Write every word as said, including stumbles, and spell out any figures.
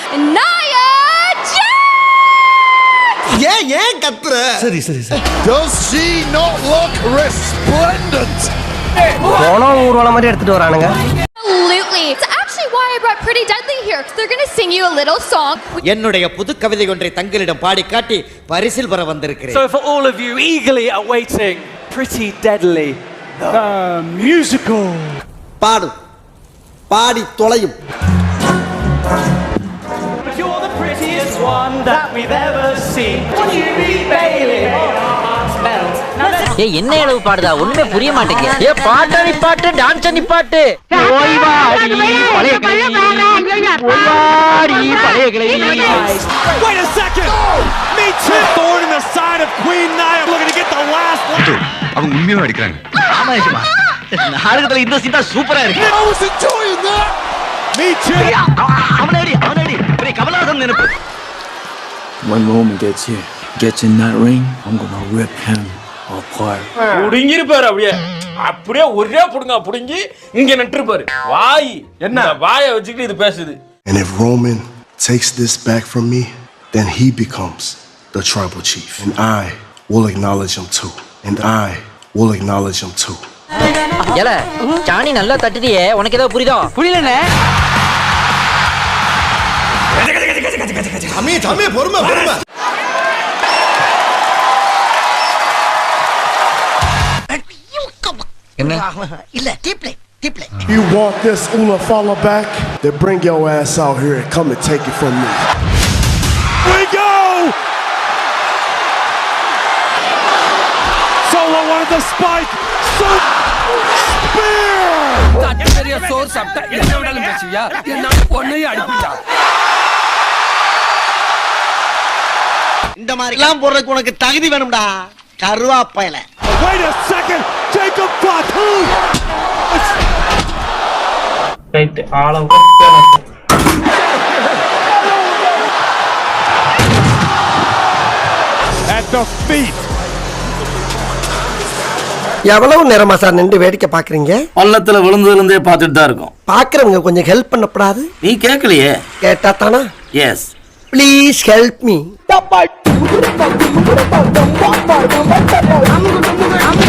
Nia Jax. ஏன் ஏன் கத்துற? சரி சரி சரி. Does she not look resplendent? போனோ ஊர்வலம் மாதிரி எடுத்துட்டு வரானுங்க. Absolutely. It's actually why I brought Pretty Deadly here. They're going to sing you a little song. என்னுடைய புது கவிதை ஒன்றை தங்களிடம் பாடி காட்டி பரிசில் பெற வந்திருக்கிறேன். So for all of you eagerly awaiting Pretty Deadly, the musical. பாடு. பாடி தொலையும். But you're the prettiest one that we've ever seen. What do you mean, Bailey? Our hearts melt. ஏய் என்ன அளவு பாடுதா ஒண்ணுமே புரிய மாட்டேங்குது. ஏ பாட்டு நீ பாட்டு டான்ஸ் நீ பாட்டு. ஓய் வாடி பழைய கிளி. ஓய் வாடி பழைய கிளி. Wait a second. Me too. Thorn in the side of Queen Nia looking to get the last one. அவங்க உண்மையா அடிக்கறாங்க. ஆமா ஏமா. நாடகத்துல இந்த சீன் தான் சூப்பரா இருக்கு. I was enjoying that. Me too. அவனடி அவனடி. ஒரே கமலஹாசன் நினைப்பு. When Roman gets here, gets in that ring, I'm gonna rip him apart. புடிங்கிருப்பாரு அப்படியே அப்படியே ஒரே புடுங்க புடுங்கி இங்க நட்டுருப்பாரு. வாய் என்ன வாயை வச்சுக்கிட்டு இது பேசுது. And if Roman takes this back from me, then he becomes the tribal chief. And I will acknowledge him too. And I will acknowledge him too. ஏல சாணி நல்லா தட்டிட்டியே உனக்கு ஏதோ புரியுதோ? புரியலனே. தம்பி தம்பி பொறுமை பொறுமை. என்ன? இல்ல டீப்லே டீப்லே. You want this Ula Fala back? Then bring your ass out here and come and take it from me. We go. Solo wanted the spike. So spear. பெரிய சோர் சாப்பிட்டா என்ன விடாலும் பேசுவியா? என்ன பொண்ணையும் அடிப்பிட்டா. இந்த மாதிரி எல்லாம் போறதுக்கு உனக்கு தகுதி வேணும்டா கருவாப்பையில. Wait a second. Jacob Fatu. Right ஆளம் At the feet. எவ்வளவு நேரமா சார் நின்று வேடிக்கை பாக்குறீங்க? பள்ளத்துல விழுந்ததுல இருந்தே பார்த்துட்டு தான் இருக்கோம். பாக்குறவங்க கொஞ்சம் ஹெல்ப் பண்ணப்படாது? நீ கேட்கலையே. கேட்டா தானா? எஸ். Please help me.